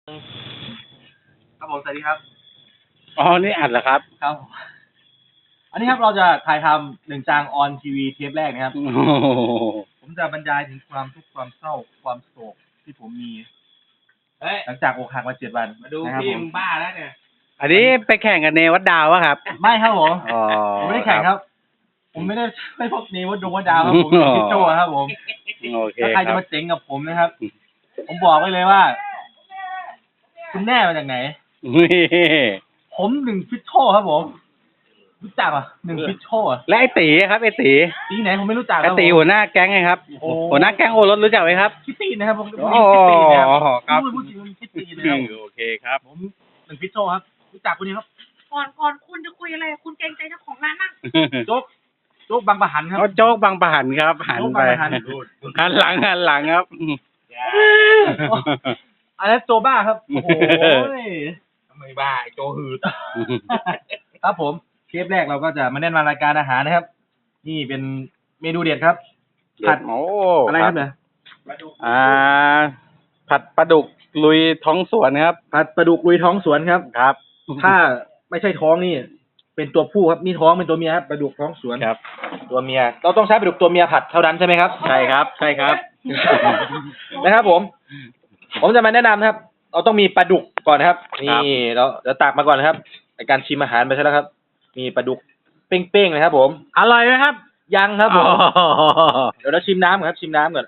ครับผมสวัสดีครับอ๋อนี่อัดเหรอครับครับอันนี้ครับเราจะถ่ายทำหนึ่งจางออนทีวีเทปแรกนะครับผมจะบรรยายถึงความทุกข์ความเศร้าความโศกที่ผมมีหลังจากอกหักมา7 วันมาดูพี่มึงบ้าแล้วเนี่ยอันนี้ไปแข่งกับเนวัดดาวะครับไม่ครับผมอ๋อผมไม่ได้แข่งครับ ผมไม่ได้ไม่พบเนวัดดาวครับผมเป็นคิดโจ้ครับผมโอเคถ้าใครจะมาเจ๋งกับผมนะครับ ผมบอกไว้เลยว่า คุณแน่มาจากไหนผม1 ฟิตโชครับผมรู้จักอ่ะ1 ฟิตโชอ่ะและไอตีครับไอตีตีไหนผมไม่รู้จักคไอรับตีหัวหน้าแก๊งไงครับหัวหน้าแก๊งโอรสรู้จักไหมครับคิตตี้นะครับผมอ๋อครับพูดจริงคิตตี้นะครับโอเคครับผม1 ฟิตโชครับรู้จักคนนี้ครับก่อนคุณจะคุยอะไรคุณเกรงใจเจ้าของร้านนั่งโจ๊กบางปะหันครับโจ๊กบางปะหันครับหันไปหันหลังครับอันนั้นโจบ้าครับโอ้โหทำไมบ้าไอโจหืดครับผมเทปแรกเราก็จะมาแนะนำรายการอาหารนะครับนี่เป็นเมนูเด็ดครับผัดอะไรครับเนี่ยผัดปลาดุกลุยท้องสวนครับผัดปลาดุกลุยท้องสวนครับครับถ้าไม่ใช่ท้องนี่เป็นตัวผู้ครับนี่ท้องเป็นตัวเมียครับปลาดุกท้องสวนครับตัวเมียเราต้องใช้ปลาดุกตัวเมียผัดเท่านั้นใช่ไหมครับใช่ครับนะครับผมจะมาแนะนำนะครับเราต้องมีปลาดุกก่อนนะครับนี่เราเดี๋ยวตักมาก่อนนะครับในการชิมอาหารไปใช่แล้วครับมีปลาดุกเป้งๆเลยครับผมอร่อยไหมครับยังครับผมเดี๋ยวเราชิมน้ำก่อนครับชิมน้ำก่อน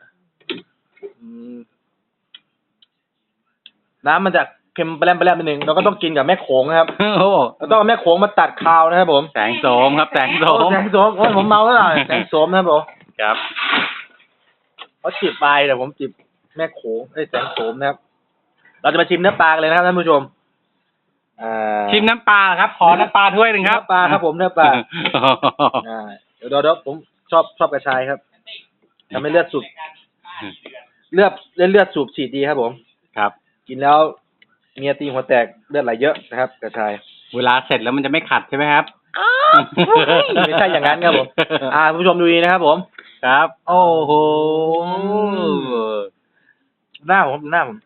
น้ำมันจะเค็มไปแล้มนิดนึงเราก็ต้องกินกับแม่โขงนะครับเราต้องเอาแม่โขงมาตัดคาวนะครับผมแสงโสมครับแสงโสมโอ้ยผมเมาแล้วล่ะแสงโสมนะครับผมครับเขาจิบไปแต่ผมจิบแม่โขงแสงโสมนะครับเราจะมาชิมเนื้อปลากันเลยนะครับท่านผู้ชมชิมน้ำปลาครับขอน้ำปลาถ้วยหนึ่งครับน้ำปลาครับผมเนื้อปลาเดี๋ยวผมชอบกระชายครับทำให้เลือดสูบฉีดดีครับผมครับกินแล้วเมียตีหัวแตกเลือดไหลเยอะนะครับกระชายเวลาเสร็จแล้วมันจะไม่ขัดใช่ไหมครับไม่ใช่อย่างนั้นครับผมผู้ชมดูดีนะครับผมครับโอ้โหหน้าผม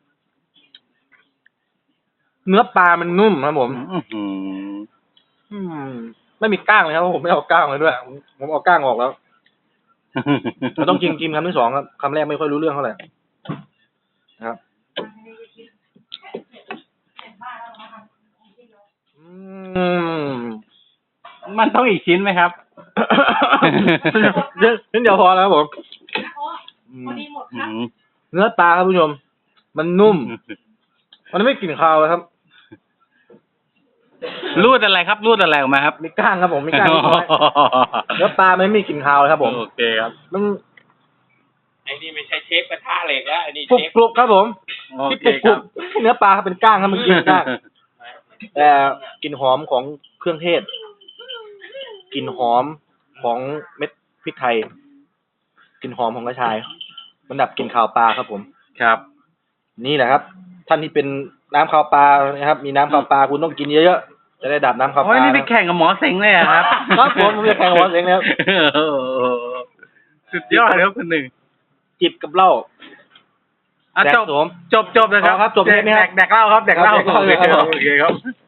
เนื้อปลามันนุ่มครับผมไม่มีก้างเลยครับผมไม่เอาก้างเลยด้วยผมเอาก้างออกแล้วเราต้องกินคำที่สองครับคำแรกไม่ค่อยรู้เรื่องเท่าไหร่นะครับมันต้องอีกชิ้นไหมครับชิ้นเดียวพอแล้วครับผมเนื้อปลาครับผู้ชมมันนุ่มมันไม่กลิ่นคาวเลยครับรูดอะไรครับรูดอะไรออกมาครับมีก้างครับผมมีก้างเนื้อปลาไม่มีกลิ่นคาวเลยครับผมโอเคครับมันไอ้นี่ไม่ใช่เชฟกระทะเหล็กแล้วไอ้นี่เชฟกรุบครับผมที่กรุบเนื้อปลาครับเป็นก้างครับมันกินก้างแต่กลิ่นหอมของเครื่องเทศกลิ่นหอมของเม็ดพริกไทยกลิ่นหอมของกระชายมันดับกลิ่นคาวปลาครับผมครับนี่แหละครับท่านที่เป็นน้ำคาวปลานะครับมีน้ำคาวปลาคุณต้องกินเยอะๆจะได้ดับน้ำคาวปลานี่ไปแข่งกับหมอเซ็งเลยครับครับผมจะแข่งกับหมอเซ็งแล้วสุดยอดครับคนหนึ่งจิบกับเหล้าจบนะครับจบเทปนี้ครับแดกเหล้าครับแดกเหล้าโอเคครับ